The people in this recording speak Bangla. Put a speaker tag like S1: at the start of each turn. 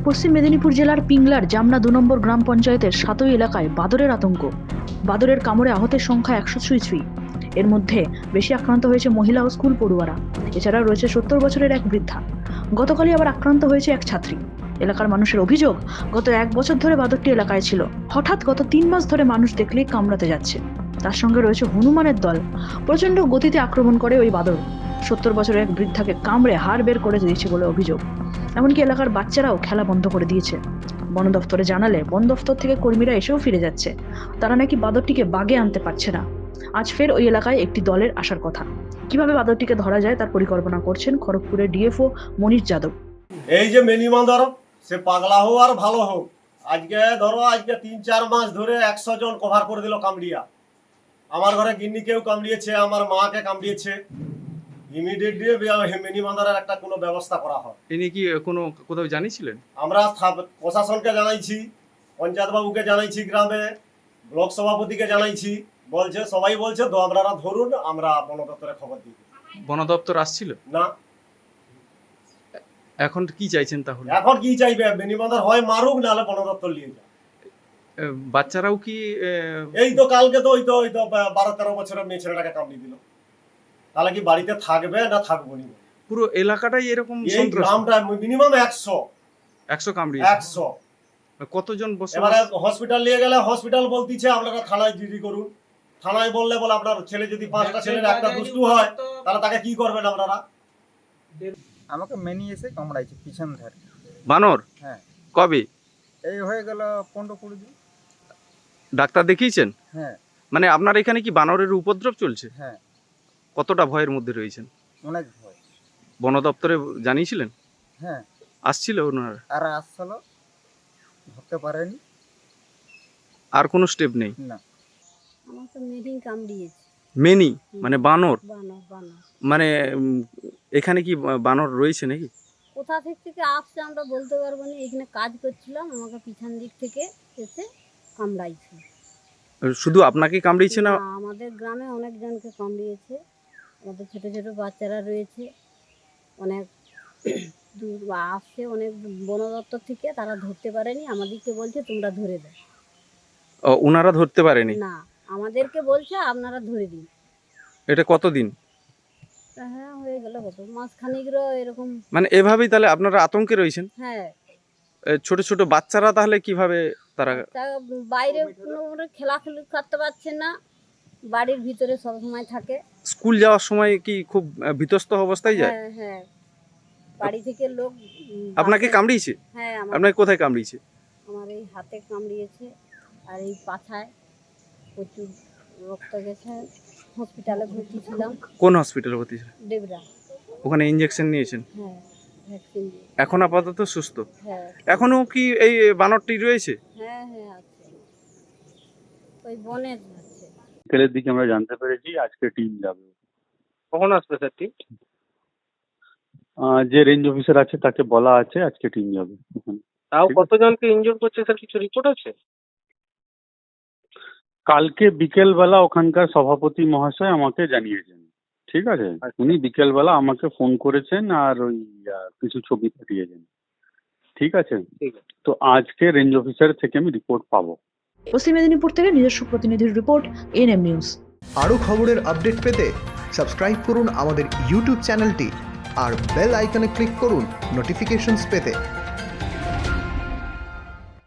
S1: পশ্চিম মেদিনীপুর জেলার পিংলার জামনা 2 নম্বর গ্রাম পঞ্চায়েতের সাতই এলাকায় বাদরের আতঙ্ক। বাদরের কামড়ে আহতের সংখ্যা 100 ছুঁই। এর মধ্যে বেশি আক্রান্ত হয়েছে মহিলা ও স্কুল পড়ুয়ারা। এছাড়াও রয়েছে 70 বছরের এক বৃদ্ধা। গতকালই আবার আক্রান্ত হয়েছে এক ছাত্রী। এলাকার মানুষের অভিযোগ, গত 1 বছর ধরে বাদরটি এলাকায় ছিল। হঠাৎ গত 3 মাস ধরে মানুষ দেখলেই কামড়াতে যাচ্ছে। তার সঙ্গে রয়েছে হনুমানের দল। প্রচণ্ড গতিতে আক্রমণ করে ওই বাদর। 70 বছরের এক বৃদ্ধাকে কামড়ে হাড় বের করে দিয়েছে বলে অভিযোগ। এমনকি এলাকার বাচ্চারাও খেলা বন্ধ করে দিয়েছে। বন দফতরে জানালে বন দফতর থেকে কর্মীরা এসেও ফিরে যাচ্ছে। তারা নাকি বাদরটিকে বাগে আনতে পারছে না। আজ ফের ওই এলাকায় একটি দলের আসার কথা। কিভাবে বাদরটিকে ধরা যায় তার পরিকল্পনা করছেন খড়গপুরের ডিএফও মনীষ যাদব।
S2: এই যে মিনি বাঁদর, সে পাগলা হোক আর ভালো হোক, আজকে 3-4 মাস ধরে 100 জন কভার করে দিল কামড়িয়া। আমার ঘরে গিন্নিকেও কামড়িয়েছে, আমার মাকে কামড়িয়েছে। ইমিডিয়েটলি মিনি বাঁদরের একটা কোনো ব্যবস্থা করা হয়।
S3: তিনি কি কোথাও জানিয়েছিলেন?
S2: আমরা প্রশাসনকে জানাইছি, পঞ্চায়েত বাবুকে জানাইছি, গ্রামে ব্লক সভাপতিকে জানাইছি। বলছে, সবাই বলছে তো আপনারা ধরুন, আমরা বন দপ্তরে খবর দিই।
S3: বন দপ্তর আসছিল
S2: না।
S3: এখন কি চাইছেন তাহলে?
S2: এখন কি চাইবে? মিনি বাঁদর হয় মারুক, নাহলে বন দপ্তর নিয়ে যায়।
S3: বাচ্চারাও কি
S2: এই তো কালকে তো ওই তো 12-13 বছরের মেয়ে ছেলেটাকে কামড়ি দিল। তাহলে কি বাড়িতে থাকবে না থাকবো না?
S3: পুরো এলাকাটাই এরকম
S2: এই গ্রামটা মিনিমাম
S3: 100 কামড়ি।
S2: 100
S3: কতজন বসে?
S2: এবারে হসপিটাল নিয়ে গেলে হসপিটাল বলতিছে আপনারা থানায় জিডি করুন। থানায় বললে বলে আপনার ছেলে যদি 5টা ছেলের একটা দুষ্টু হয়, তাহলে তাকে কি করবেন আপনারা?
S4: আমাকে মেনি এসে কামড়াইছে পিছন ধারে।
S3: বানর?
S4: হ্যাঁ।
S3: কবে?
S4: এই হয়ে গেল 15-20 দিন।
S3: ডাক্তার দেখিয়েছেন?
S4: হ্যাঁ।
S3: মানে আপনার এখানে কি বানরের উপদ্রব চলছে?
S4: হ্যাঁ।
S3: কতটা ভয়ের মধ্যে রয়েছেন?
S4: অনেক ভয়।
S3: বন দপ্তরে জানিয়েছিলেন?
S4: হ্যাঁ।
S3: আসছিল ওনারা?
S4: আর আসছিল, ধরতে পারেনি।
S3: আর কোনো স্টেপ নেই?
S4: না।
S5: আমার তো মেনি কামড়িয়েছে।
S3: মেনি মানে বানর?
S5: বানর।
S3: মানে এখানে কি বানর রয়েছে নাকি?
S5: কোথা থেকে আসছে আমরা বলতে পারবো না। এখানে কাজ করছিলাম, আমাকে পিছন দিক থেকে এসে কামড়াইছে।
S3: শুধু আপনাকে কামড়িয়েছে না?
S5: আমাদের গ্রামে অনেকজনকে কামড়িয়েছে। আমাদের ছোট ছোট বাচ্চারা রয়েছে, অনেক দূর আসছে, অনেক বন দপ্তর থেকে। তারা ধরতে পারেনি, আমাদেরকে বলছে তোমরা ধরে দাও।
S3: ওনারা ধরতে পারেনি?
S5: না, আমাদেরকে বলছে আপনারা ধরে দিন।
S3: এটা কতদিন?
S5: হ্যাঁ, হয়ে গেল কত মাস খানিকেরও এরকম।
S3: মানে এভাবেই তাহলে আপনারা আতঙ্কে রয়েছেন?
S5: হ্যাঁ।
S3: ছোট ছোট বাচ্চারা তাহলে কিভাবে তারা
S5: বাইরে কোনো খেলাখেলি করতে পারছে না, বাড়ির ভিতরে সব সময় থাকে।
S3: স্কুল যাওয়ার সময় কি খুব বিতস্ত অবস্থায় যায়?
S5: হ্যাঁ হ্যাঁ, বাড়ি থেকে লোক
S3: আপনাকে কামড়িয়েছে?
S5: হ্যাঁ,
S3: আপনাকে কোথায় কামড়িয়েছে?
S5: আমার এই হাতে কামড়িয়েছে আর এই পাছায় প্রচুর রক্ত গেছে। হসপিটালে ভর্তি ছিলাম।
S3: কোন হসপিটালে ভর্তি ছিলেন?
S5: ডেবরা।
S3: ওখানে ইনজেকশন নিয়েছেন?
S5: হ্যাঁ, ভ্যাকসিন।
S3: এখন আপাতত সুস্থ?
S5: হ্যাঁ।
S3: এখনো কি এই বানরটি রয়েছে?
S5: হ্যাঁ হ্যাঁ, আছে, ওই বনের আছে।
S6: বিকেলের দিকে আমরা জানতে পেরেছি আজকে টিম যাবে।
S3: কখন আসবে স্যার টিম?
S6: যে রেঞ্জ অফিসার আছে তাকে বলা আছে আজকে টিম যাবে।
S3: তাও কতজনকে ইনজুর করছে স্যার, কিছু রিপোর্ট আছে?
S6: কালকে বিকেলবেলা ওখানকার সভাপতি মহাশয় আমাকে জানিয়েছেন। ঠিক আছে, উনি বিকেলবেলা আমাকে ফোন করেছেন আর ওই কিছু ছবি পাঠিয়েছেন। ঠিক আছে, তো আজকে রেঞ্জ অফিসার থেকে আমি রিপোর্ট পাবো।
S1: পশ্চিম মেদিনীপুর থেকে নিজস্ব প্রতিনিধির রিপোর্ট, এএনএম নিউজ।
S7: আরও খবরের আপডেট পেতে সাবস্ক্রাইব করুন আমাদের ইউটিউব চ্যানেলটি আর বেল আইকনে ক্লিক করুন নোটিফিকেশনস পেতে।